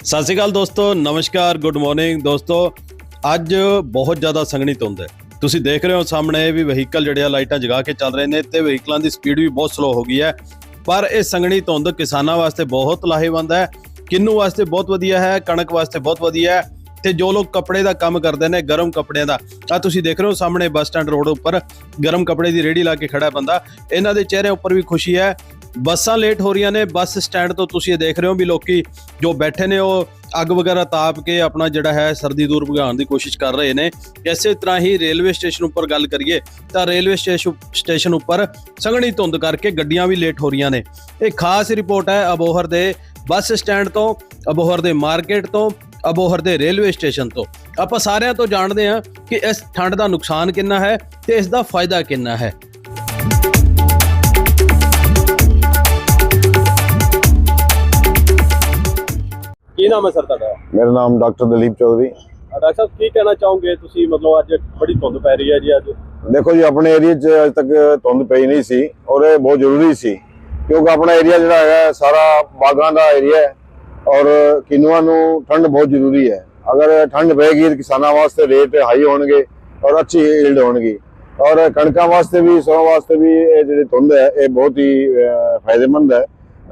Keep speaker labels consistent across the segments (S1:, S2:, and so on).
S1: ਸਤਿ ਸ਼੍ਰੀ ਅਕਾਲ ਦੋਸਤੋ, ਨਮਸਕਾਰ, ਗੁੱਡ ਮਾਰਨਿੰਗ ਦੋਸਤੋ। ਅੱਜ ਬਹੁਤ ਜ਼ਿਆਦਾ ਸੰਘਣੀ ਧੁੰਦ ਹੈ। ਤੁਸੀਂ ਦੇਖ ਰਹੇ ਹੋ ਸਾਹਮਣੇ ਵੀ ਵਹੀਕਲ ਜਿਹੜੇ ਆ ਲਾਈਟਾਂ ਜਗਾ ਕੇ ਚੱਲ ਰਹੇ ਨੇ ਤੇ ਵਹੀਕਲਾਂ ਦੀ ਸਪੀਡ ਵੀ ਬਹੁਤ ਸਲੋ ਹੋ ਗਈ ਹੈ। ਪਰ ਇਹ ਸੰਘਣੀ ਧੁੰਦ ਕਿਸਾਨਾਂ ਵਾਸਤੇ ਬਹੁਤ ਲਾਹੇਵੰਦ ਹੈ, ਕਿੰਨੂ ਵਾਸਤੇ ਬਹੁਤ ਵਧੀਆ ਹੈ, ਕਣਕ ਵਾਸਤੇ ਬਹੁਤ ਵਧੀਆ ਹੈ। ਤੇ ਜੋ ਲੋਕ ਕੱਪੜੇ ਦਾ ਕੰਮ ਕਰਦੇ ਨੇ, ਗਰਮ ਕੱਪੜਿਆਂ ਦਾ, ਆ ਤੁਸੀਂ ਦੇਖ ਰਹੇ ਹੋ ਸਾਹਮਣੇ ਬੱਸ ਸਟੈਂਡ ਰੋਡ ਉੱਪਰ ਗਰਮ ਕੱਪੜੇ ਦੀ ਰੇਹੜੀ ਲਾ ਕੇ ਖੜਾ ਬੰਦਾ, ਇਹਨਾਂ ਦੇ ਚਿਹਰੇ ਉੱਪਰ ਵੀ ਖੁਸ਼ੀ ਹੈ। ਬੱਸਾਂ ਲੇਟ ਹੋ ਰਹੀਆਂ ਨੇ, ਬੱਸ ਸਟੈਂਡ ਤੋਂ ਤੁਸੀਂ ਇਹ ਦੇਖ ਰਹੇ ਹੋ ਵੀ ਲੋਕੀ ਜੋ ਬੈਠੇ ਨੇ ਉਹ ਅੱਗ ਵਗੈਰਾ ਤਾਪ ਕੇ ਆਪਣਾ ਜਿਹੜਾ ਹੈ ਸਰਦੀ ਦੂਰ ਭਗਾਉਣ ਦੀ ਕੋਸ਼ਿਸ਼ ਕਰ ਰਹੇ ਨੇ। ਇਸੇ ਤਰ੍ਹਾਂ ਹੀ ਰੇਲਵੇ ਸਟੇਸ਼ਨ ਉੱਪਰ ਗੱਲ ਕਰੀਏ ਤਾਂ ਰੇਲਵੇ ਸਟੇਸ਼ਨ ਉੱਪਰ ਸੰਘਣੀ ਧੁੰਦ ਕਰਕੇ ਗੱਡੀਆਂ ਵੀ ਲੇਟ ਹੋ ਰਹੀਆਂ ਨੇ। ਇਹ ਖਾਸ ਰਿਪੋਰਟ ਹੈ ਅਬੋਹਰ ਦੇ ਬੱਸ ਸਟੈਂਡ ਤੋਂ, ਅਬੋਹਰ ਦੇ ਮਾਰਕੀਟ ਤੋਂ, ਅਬੋਹਰ ਦੇ ਰੇਲਵੇ ਸਟੇਸ਼ਨ ਤੋਂ। ਆਪਾਂ ਸਾਰਿਆਂ ਤੋਂ ਜਾਣਦੇ ਹਾਂ ਕਿ ਇਸ ਠੰਡ ਦਾ ਨੁਕਸਾਨ ਕਿੰਨਾ ਹੈ ਤੇ ਇਸ ਦਾ ਫਾਇਦਾ ਕਿੰਨਾ ਹੈ। ਕੀ ਨਾਮ ਹੈ ਸਰ ਤੁਹਾਡਾ?
S2: ਮੇਰਾ ਨਾਮ ਡਾਕਟਰ ਦਲੀਪ ਚੌਧਰੀ।
S1: ਡਾਕਟਰ ਸਾਹਿਬ ਕੀ ਕਹਿਣਾ ਚਾਹੋਗੇ ਤੁਸੀਂ? ਮਤਲਬ ਅੱਜ ਬੜੀ ਧੁੰਦ ਪੈ ਰਹੀ ਹੈ ਜੀ। ਅੱਜ
S2: ਦੇਖੋ ਜੀ, ਆਪਣੇ ਏਰੀਆ 'ਚ ਅਜੇ ਤੱਕ ਧੁੰਦ ਪਈ ਨਹੀਂ ਸੀ ਔਰ ਇਹ ਬਹੁਤ ਜ਼ਰੂਰੀ ਸੀ ਕਿਉਂਕਿ ਆਪਣਾ ਏਰੀਆ ਜਿਹੜਾ ਹੈਗਾ ਸਾਰਾ ਬਾਗਾਂ ਦਾ ਏਰੀਆ ਹੈ ਔਰ ਕਿਨੂਆਂ ਨੂੰ ਠੰਡ ਬਹੁਤ ਜ਼ਰੂਰੀ ਹੈ। ਅਗਰ ਠੰਡ ਪਏਗੀ ਤਾਂ ਕਿਸਾਨਾਂ ਵਾਸਤੇ ਰੇਟ ਹਾਈ ਹੋਣਗੇ ਔਰ ਅੱਛੀ ਈਲਡ ਹੋਣਗੀ ਔਰ ਕਣਕਾਂ ਵਾਸਤੇ ਵੀ, ਸਰੋਂ ਵਾਸਤੇ ਵੀ ਇਹ ਜਿਹੜੀ ਧੁੰਦ ਹੈ ਇਹ ਬਹੁਤ ਹੀ ਫਾਇਦੇਮੰਦ ਹੈ।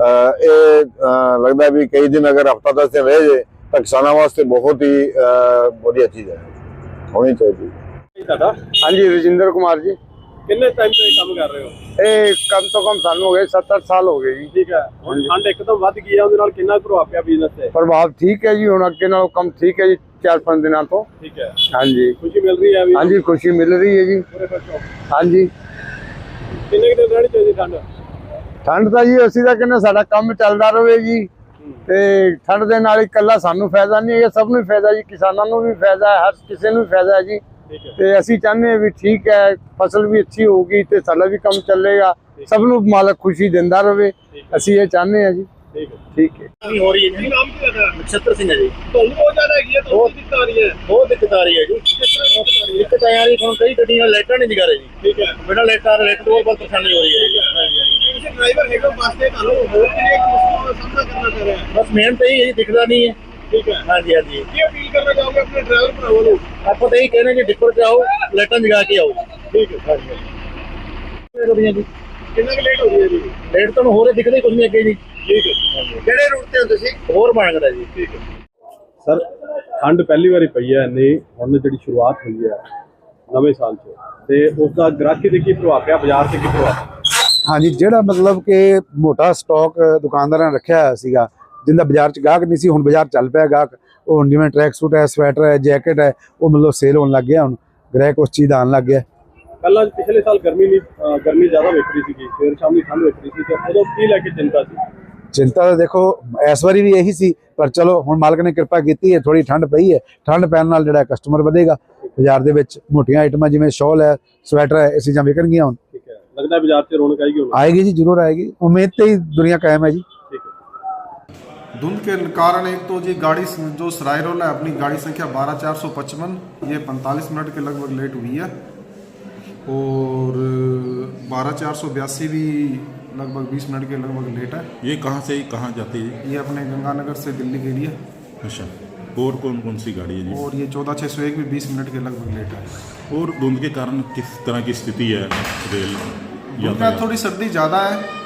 S2: ਇਹ ਲੱਗਦਾ ਵੀ ਕਈ ਦਿਨ ਅਗਰ ਹਫ਼ਤਾ 10 ਦਿਨ ਰਹੇ ਜੇ ਤਾਂ ਕਿਸਾਨਾਂ ਵਾਸਤੇ ਬਹੁਤ ਹੀ ਵਧੀਆ ਚੀਜ਼ ਹੈ, ਹੋਣੀ ਚਾਹੀਦੀ।
S1: ਤੁਹਾਡਾ?
S2: ਹਾਂਜੀ, ਰਜਿੰਦਰ ਕੁਮਾਰ ਜੀ।
S1: ਕਿੰਨੇ ਟਾਈਮ ਤੋਂ ਇਹ ਕੰਮ ਕਰ ਰਹੇ ਹੋ?
S2: ਇਹ ਕਮ ਤੋਂ ਕਮ ਸਾਨੂੰ ਹੋ ਗਏ 70 ਸਾਲ ਹੋ ਗਏ ਜੀ।
S1: ਠੀਕ ਹੈ। ਹੁਣ ਠੰਡ ਇੱਕਦਮ ਵੱਧ ਗਈ ਹੈ, ਉਹਦੇ ਨਾਲ ਕਿੰਨਾ ਪ੍ਰਭਾਵ ਪਿਆ ਬਿਜ਼ਨਸ ਤੇ?
S2: ਪ੍ਰਭਾਵ ਠੀਕ ਹੈ ਜੀ, ਹੁਣ ਅੱਗੇ ਨਾਲੋਂ ਕੰਮ ਠੀਕ ਹੈ ਜੀ 4-5 ਦਿਨਾਂ ਤੋਂ।
S1: ਠੀਕ ਹੈ।
S2: ਹਾਂਜੀ,
S1: ਖੁਸ਼ੀ ਮਿਲ ਰਹੀ ਹੈ?
S2: ਹਾਂਜੀ, ਖੁਸ਼ੀ ਮਿਲ ਰਹੀ ਹੈ ਜੀ। ਹਾਂਜੀ।
S1: ਕਿੰਨੇ ਦਿਨ ਰਹਿਣੀ ਚਾਹੀਦੀ ਠੰਡ?
S2: ਠੰਡ ਤਾਂ ਜੀ ਅਸੀਂ ਤਾਂ ਕਹਿੰਦੇ ਸਾਡਾ ਕੰਮ ਚੱਲਦਾ ਰਹੇ ਜੀ ਤੇ ਠੰਡ ਦੇ ਨਾਲ ਇਕੱਲਾ ਸਾਨੂੰ ਫਾਇਦਾ ਨਹੀਂ ਹੈ, ਸਭ ਨੂੰ ਫਾਇਦਾ ਜੀ, ਕਿਸਾਨਾਂ ਨੂੰ ਵੀ ਫਾਇਦਾ ਹੈ, ਹਰ ਕਿਸੇ ਨੂੰ ਫਾਇਦਾ ਹੈ ਜੀ। ਤੇ ਅਸੀਂ ਚਾਹੁੰਦੇ ਹਾਂ ਵੀ ਠੀਕ ਹੈ, ਫਸਲ ਵੀ ਅੱਛੀ ਹੋਊਗੀ ਤੇ ਸਾਡਾ ਵੀ ਕੰਮ ਚੱਲੇਗਾ, ਸਭ ਨੂੰ ਮਾਲਕ ਖੁਸ਼ੀ ਦਿੰਦਾ ਰਹੇ, ਅਸੀਂ ਇਹ ਚਾਹੁੰਦੇ ਹਾਂ ਜੀ। ठीक है।
S1: हो रही है। नाम क्या है? नक्षत्र सिंह है जी।
S3: धुंध बहुत ज्यादा है, बहुत दिक्कत आ रही है।
S1: बहुत दिक्कत आ रही है जी। दिक्कत आ रही है, कई गड्डियां लाइटां नहीं दिखा रही जी। ठीक है। बिना लाइट लाइट तो बहुत परेशानी हो रही है।
S3: जैसे ड्राइवर है वास्ते थानों बहुत ही एक मुश्किल का सामना करना पड़ रहा है।
S1: बस मेन तो यही दिखता नहीं है।
S3: ठीक है।
S1: हाँ जी, हाँ जी।
S3: ये अपील करना चाहोगे अपने ड्राइवर भराओं को?
S1: आपको तो यही कहना है कि डिपर जाओ, लाइटां जगा के आओ।
S3: ठीक है। हाँ जी। कितना लेट हो रही है जी?
S1: लेट तो हो रहे दिखते कुछ नहीं अगे जी।
S3: ठीक है। ਕਿਹੜੇ ਰੂਟ ਤੇ ਹੋ ਤੁਸੀਂ?
S1: ਹੋਰ ਬਣਦਾ ਜੀ।
S3: ਠੀਕ ਹੈ
S1: ਸਰ, ਠੰਡ ਪਹਿਲੀ ਵਾਰੀ ਪਈ ਹੈ ਇੰਨੀ, ਹੁਣ ਜਿਹੜੀ ਸ਼ੁਰੂਆਤ ਹੋਈ ਹੈ ਨਵੇਂ ਸਾਲ 'ਚ, ਤੇ ਉਸ ਦਾ ਗ੍ਰਾਹਕੀ ਤੇ ਕੀ ਪ੍ਰਭਾਵ ਪਿਆ, ਬਾਜ਼ਾਰ ਤੇ ਕੀ ਪ੍ਰਭਾਵ?
S4: ਹਾਂਜੀ, ਜਿਹੜਾ ਮਤਲਬ ਕਿ ਮੋਟਾ ਸਟਾਕ ਦੁਕਾਨਦਾਰਾਂ ਨੇ ਰੱਖਿਆ ਹੋਇਆ ਸੀਗਾ, ਜਿੰਦਾ ਬਾਜ਼ਾਰ 'ਚ ਗਾਹਕ ਨਹੀਂ ਸੀ, ਹੁਣ ਬਾਜ਼ਾਰ ਚੱਲ ਪਿਆ ਗਾਹਕ। ਉਹ ਹੁਣ ਜਿਵੇਂ ਟਰੈਕ ਸੂਟ ਹੈ, ਸਵੈਟਰ ਹੈ, ਜੈਕਟ ਹੈ, ਉਹ ਮਤਲਬ ਸੇਲ ਹੋਣ ਲੱਗ ਗਿਆ, ਹੁਣ ਗ੍ਰਾਹਕ ਉਸ ਚੀਜ਼ ਦਾ ਆਉਣ ਲੱਗ ਗਿਆ।
S1: ਪਹਿਲਾਂ ਪਿਛਲੇ ਸਾਲ ਗਰਮੀ ਜ਼ਿਆਦਾ ਵੇਖ ਰਹੀ ਸੀਗੀ, ਸਵੇਰ ਸ਼ਾਮ ਦੀ ਠੰਡ ਵੇਖ ਰਹੀ ਸੀ, ਤੇ ਉਦੋਂ ਕੀ ਲੈ ਕੇ ਚਿੰਤਾ ਸੀ?
S4: ਚਿੰਤਾ ਤਾਂ ਦੇਖੋ ਇਸ ਵਾਰੀ ਵੀ ਇਹੀ ਸੀ, ਪਰ ਚਲੋ ਹੁਣ ਮਾਲਕ ਨੇ ਕਿਰਪਾ ਕੀਤੀ ਹੈ, ਥੋੜੀ ਠੰਡ ਪਈ ਹੈ, ਠੰਡ ਪੈਣ ਨਾਲ ਜਿਹੜਾ ਕਸਟਮਰ ਵਧੇਗਾ ਬਾਜ਼ਾਰ ਦੇ ਵਿੱਚ। ਮੋਟੀਆਂ ਆਈਟਮਾਂ ਜਿਵੇਂ ਸ਼ਾਲ ਹੈ, ਸਵੈਟਰ ਹੈ, ਇਹ ਚੀਜ਼ਾਂ ਵਿਕਣਗੀਆਂ ਹੁਣ।
S1: ਠੀਕ ਹੈ। ਲੱਗਦਾ ਬਾਜ਼ਾਰ 'ਚ ਰੌਣਕ ਆਏਗੀ ਹੁਣ?
S4: ਆएगी जी, जरूर आएगी, उम्मीद पे ही दुनिया कायम है जी।
S1: ठीक है।
S5: धुंध के कारण एक तो जी गाड़ी जो सराय रोल है, अपनी गाड़ी संख्या 12455, ये 45 मिनट के लगभग लेट हुई है और 12482 भी लगभग 20 मिनट के लगभग लेट है।
S6: ये कहाँ से कहाँ जाती है?
S5: ये अपने गंगानगर से दिल्ली के लिए।
S6: अच्छा। और कौन कौन सी गाड़ी है जी?
S5: और ये 14601 भी 20 मिनट के लगभग लेट है।
S6: और धुंध के कारण किस तरह की स्थिति है रेल
S5: उनका थोड़ी सर्दी ज़्यादा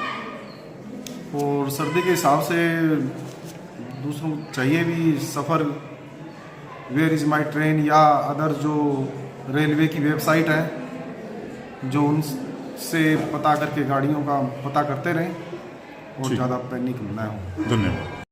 S5: है और सर्दी के हिसाब से दूसरों को चाहिए भी सफ़र, वेयर इज़ माई ट्रेन या अदर जो रेलवे की वेबसाइट है, जो उनसे पता करके गाड़ियों का पता करते रहें और ज़्यादा पैनिक ना हो।
S6: धन्यवाद।